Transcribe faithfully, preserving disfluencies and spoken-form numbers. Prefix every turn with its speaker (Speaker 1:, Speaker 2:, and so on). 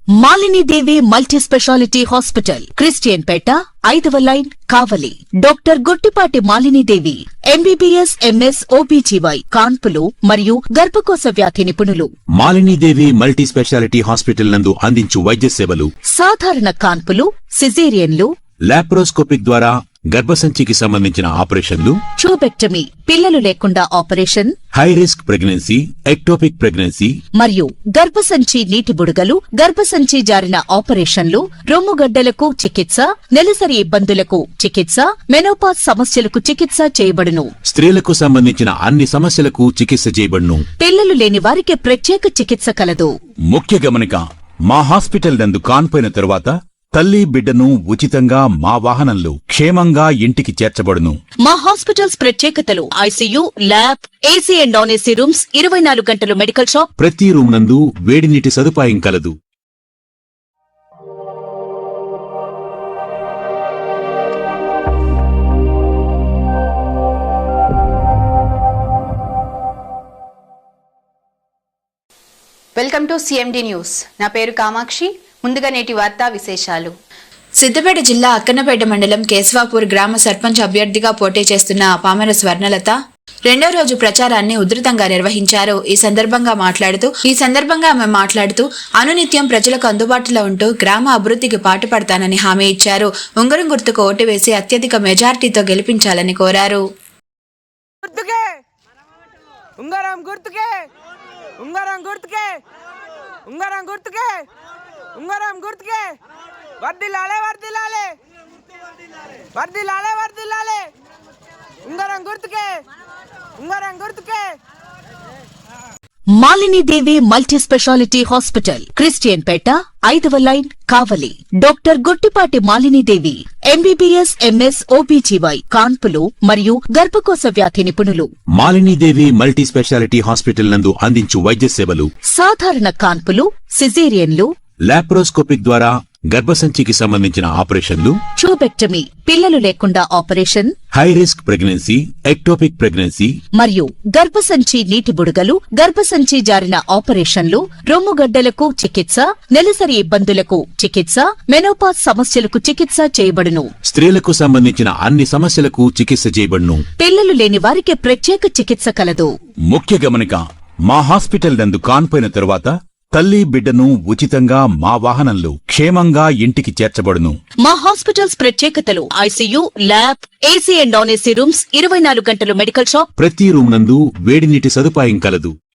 Speaker 1: Malini Devi multi speciality hospital, Christian పేట, ఐదవ line, Kavali. Doctor Guttipati Malini Devi, MBBS, MS, OBGY, కాన్పులు మరియు గర్భకోశ వ్యాధి నిపుణులు.
Speaker 2: Malini Devi multi speciality hospital నందు అందించు వైద్య సేవలు:
Speaker 1: సాధారణ కాన్పులు, సిజేరియన్లు,
Speaker 2: లాప్రోస్కోపిక్ ద్వారా గర్భసంచికి సంబంధించిన ఆపరేషన్లు,
Speaker 1: ట్యూబెక్టమీ, పిల్లలు లేకుండా operation,
Speaker 2: high risk pregnancy, ectopic pregnancy
Speaker 1: మరియు గర్భసంచి నీటి బుడగలు, గర్భసంచి జారిన ఆపరేషన్లు, రొమ్ముగడ్డలకు చికిత్స, నెలసరి ఇబ్బందులకు చికిత్స, మెనోపాజ్ సమస్యలకు చికిత్స చేయబడును.
Speaker 2: స్త్రీలకు సంబంధించిన అన్ని సమస్యలకు చికిత్స చేయబడును.
Speaker 1: పిల్లలు లేని వారికి ప్రత్యేక చికిత్స కలదు.
Speaker 2: ముఖ్య గమనిక: మా హాస్పిటల్ నందు కాన్పోయిన తరువాత తల్లి బిడ్డను ఉచితంగా మా వాహనంలో క్షేమంగా ఇంటికి చేర్చబడును.
Speaker 1: మా హాస్పిటల్స్ ప్రత్యేకతలు: ICU, lab, AC and non AC rooms, ఇరవై నాలుగు గంటలు మెడికల్ షాప్,
Speaker 2: ప్రతి రూమ్ నందు వేడి నీటి సదుపాయం కలదు.
Speaker 3: Welcome to CMD news. నా పేరు కామాక్షి. ముందుగా నేటి వార్తా విశేషాలు.
Speaker 4: సిద్దిపేట జిల్లా అక్కన్నపేట మండలం కేశవాపూర్ గ్రామ సర్పంచ్ అభ్యర్థిగా పోటీ చేస్తున్న పామర స్వర్ణలత రెండో రోజు ప్రచారాన్ని ఉధృతంగా నిర్వహించారు. ఈ సందర్భంగా మాట్లాడుతూ ఈ సందర్భంగా ఆమె మాట్లాడుతూ అనునిత్యం ప్రజలకు అందుబాటులో ఉంటూ గ్రామ అభివృద్ధికి పాటుపడతానని హామీ ఇచ్చారు. ఉంగరం గుర్తుకు ఓటు వేసి అత్యధిక మెజార్టీతో గెలిపించాలని కోరారు.
Speaker 5: ఉంగరం గుర్తుకే ఉంగరం గుర్తుకే ఉంగరం గుర్తుకే ఉంగరం గుర్తుకే వర్దిల్లాలే వర్దిల్లాలే వర్దిల్లాలే వర్దిల్లాలే ఉంగరం గుర్తుకే ఉంగరం గుర్తుకే.
Speaker 1: Malini Devi multi speciality hospital, Christian పేట, ఐదవ line, Kavali. Doctor Guttipati Malini Devi, MBBS, MS, OBGY, కాన్పులు మరియు గర్భకోశ వ్యాధి నిపుణులు.
Speaker 2: Malini Devi multi speciality hospital నందు అందించు వైద్య సేవలు:
Speaker 1: సాధారణ కాన్పులు, సిజేరియన్లు,
Speaker 2: లాప్రోస్కోపిక్ ద్వారా గర్భసంచికి సంబంధించిన ఆపరేషన్లు,
Speaker 1: ట్యూబెక్టమీ, పిల్లలు లేకుండా operation,
Speaker 2: high risk pregnancy, ectopic pregnancy
Speaker 1: మరియు గర్భసంచి నీటి బుడగలు, గర్భసంచి జారిన ఆపరేషన్లు, రొమ్ముగడ్డలకు చికిత్స, నెలసరి ఇబ్బందులకు చికిత్స, మెనోపాజ్ సమస్యలకు చికిత్స చేయబడును.
Speaker 2: స్త్రీలకు సంబంధించిన అన్ని సమస్యలకు చికిత్స చేయబడును.
Speaker 1: పిల్లలు లేని వారికి ప్రత్యేక చికిత్స కలదు.
Speaker 2: ముఖ్య గమనిక: మా హాస్పిటల్ నందు కాన్పోయిన తరువాత తల్లి బిడ్డను ఉచితంగా మా వాహనంలో క్షేమంగా ఇంటికి చేర్చబడును.
Speaker 1: మా హాస్పిటల్స్ ప్రత్యేకతలు: ICU, lab, AC and non AC rooms, ఇరవై నాలుగు గంటలు మెడికల్ షాప్,
Speaker 2: ప్రతి రూమ్ నందు వేడి నీటి సదుపాయం కలదు.